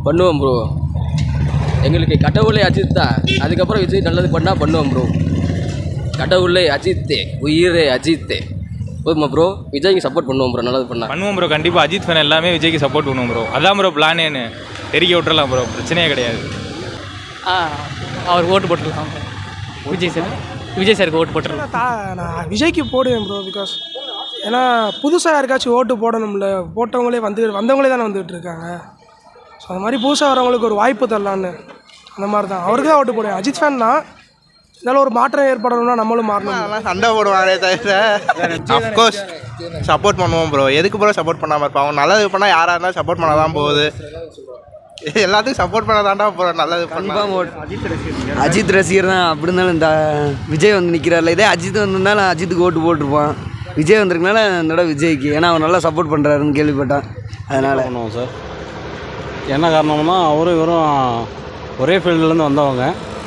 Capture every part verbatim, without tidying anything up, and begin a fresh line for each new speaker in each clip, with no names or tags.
பண்ணுவோம் ப்ரோ. எங்களுக்கு கடவுளே அஜித் தான். அதுக்கப்புறம் விஜய் நல்லது பண்ணால் பண்ணுவோம் ப்ரோ. கடவுளே அஜித்தே, உயிரே அஜித்தே. போதுமா ப்ரோ? விஜய்க்கு சப்போர்ட் பண்ணுவோம் ப்ரோ. நல்லது பண்ணால்
பண்ணுவோம் ப்ரோ. கண்டிப்பாக அஜித் ஃபேன் எல்லாமே விஜய்க்கு சப்போர்ட் பண்ணுவோம் ப்ரோ. அதான் ப்ரோ பிளானேன்னு தெரிக்க விட்டுறலாம் ப்ரோ. பிரச்சனையே கிடையாது.
ஆ அவர் ஓட்டு போட்டுடலாம். விஜய் சார் விஜய் சாருக்கு ஓட்டு போட்டுடலாம்.
நான் விஜய்க்கு போடுவேன் ப்ரோ. பிகாஸ் ஏன்னா புதுசாக யாருக்காச்சும் ஓட்டு போடணும்ல. போட்டவங்களே வந்து வந்தவங்களே தானே வந்துகிட்டு இருக்காங்க. ஸோ அந்த மாதிரி புதுசாக வரவங்களுக்கு ஒரு வாய்ப்பு தரலான்னு அந்த மாதிரி தான் அவருக்கு தான் ஓட்டு போடுவேன். அஜித் ஃபேன் தான். இதனால் ஒரு மாற்றம் ஏற்படணும்னா நம்மளும் மாறணும்.
அதெல்லாம் சண்டை போடுவாங்களே தவிர அஃப்கோர்ஸ் சப்போர்ட் பண்ணுவோம் ப்ரோ. எதுக்கு ப்ரோ சப்போர்ட் பண்ணாமல் இருப்பாங்க? அவங்க நல்லது பண்ணால் யாராக இருந்தாலும் சப்போர்ட் பண்ண தான் போகுது. எல்லாத்துக்கும் சப்போர்ட் பண்ண தாண்டா ப்ரோ. நல்லது பண்ணால்
அஜித் ரசிகர் தான். அப்படி இருந்தாலும் இந்த விஜய் வந்து நிற்கிறார்ல, இதே அஜித் வந்திருந்தாலும் அஜித்துக்கு ஓட்டு போட்டிருப்பான். விஜய் வந்திருக்கனால இந்த விஜய்க்கு, ஏன்னா அவர் நல்லா சப்போர்ட் பண்ணுறாருன்னு கேள்விப்பட்டான். அதனால்
பண்ணுவோம் சார். என்ன காரணம்னா அவரும் இவரும் ஒரே ஃபீல்டுலேருந்து வந்தவங்க.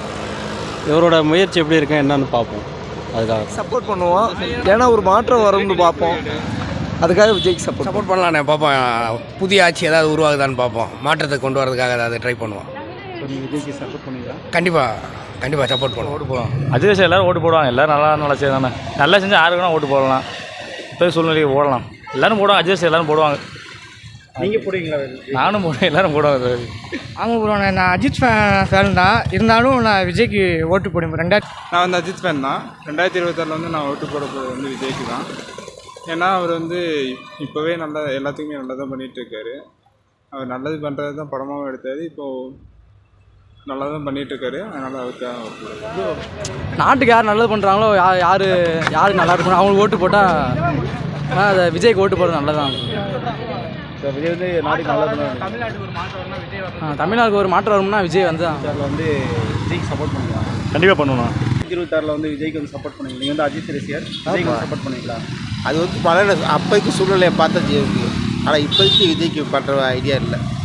இவரோட முயற்சி எப்படி இருக்கு என்னன்னு பார்ப்போம். அதுக்காக
சப்போர்ட் பண்ணுவோம். ஏன்னா ஒரு மாற்றம் வரும்னு பார்ப்போம். அதுக்காக விஜய்க்கு சப்போர்ட்
சப்போர்ட் பண்ணலாண்ணே. பார்ப்போம் புதிய ஆட்சி ஏதாவது உருவாகுதான்னு பார்ப்போம். மாற்றத்தை கொண்டு வரதுக்காக ஏதாவது ட்ரை பண்ணுவோம்.
விஜய்க்கு சப்போர்ட் பண்ணுவீங்களா?
கண்டிப்பாக கண்டிப்பாக சப்போர்ட் பண்ணுவோம்.
ஓட்டு போடுவோம். அஜித் சார் எல்லோரும் ஓட்டு போடுவாங்க. எல்லோரும் நல்லா நல்லா செய்தானே. நல்லா செஞ்சால் யாருக்கு வேணால் ஓட்டு போடலாம். இப்போ சூழ்நிலைக்கு போடலாம். எல்லோரும் போடுவாங்க. அஜித் சார் எல்லோரும் போடுவாங்க.
நீங்கள் போடுவீங்களா?
நானும் போடுவேன். எல்லோரும் போடுவாங்க.
ஆமாம் ப்ரோ. நான் அஜித் ஃபேன் ஃபேன் தான். இருந்தாலும் நான் விஜய்க்கு ஓட்டு போடுவேன். ரெண்டாயிரத்தி
நான் வந்து அஜித் ஃபேன் தான். ரெண்டாயிரத்தி இருபத்தாறில் வந்து நான் ஓட்டு போட போகிறது வந்து விஜய்க்கு தான். ஏன்னா அவர் வந்து இப்போவே நல்லா எல்லாத்துக்குமே நல்லா தான் பண்ணிகிட்ருக்காரு. அவர் நல்லது பண்ணுறது தான் படமாகவும் எடுத்தார். இப்போது நல்லா தான் பண்ணிகிட்ருக்காரு. அதனால் அவருக்காக
நாட்டுக்கு யார் நல்லது பண்ணுறாங்களோ, யார் யார் யார் நல்லா இருக்கணும் அவங்களுக்கு ஓட்டு போட்டால் அதை விஜய்க்கு ஓட்டு போடுறது நல்லதான்.
விஜய் வந்து நாட்டுக்கு நல்லா
தமிழ்நாட்டுக்கு ஒரு மாற்றம் வரும்னா விஜய் வந்து
வந்து விஜய்க்கு சப்போர்ட் பண்ணுவீங்களா?
கண்டிப்பாக பண்ணுவோம்.
இருபத்தாறில் வந்து விஜய்க்கு வந்து சப்போர்ட் பண்ணுவீங்க. நீங்கள் வந்து அஜித் ரசிகர், விஜய்க்கு வந்து சப்போர்ட் பண்ணுவீங்களா?
அது வந்து பல அப்போதைக்கு சூழ்நிலையை பார்த்தா ஜெயிக்கு. ஆனால் இப்போதைக்கு விஜய்க்கு பண்ணுற ஐடியா இல்லை.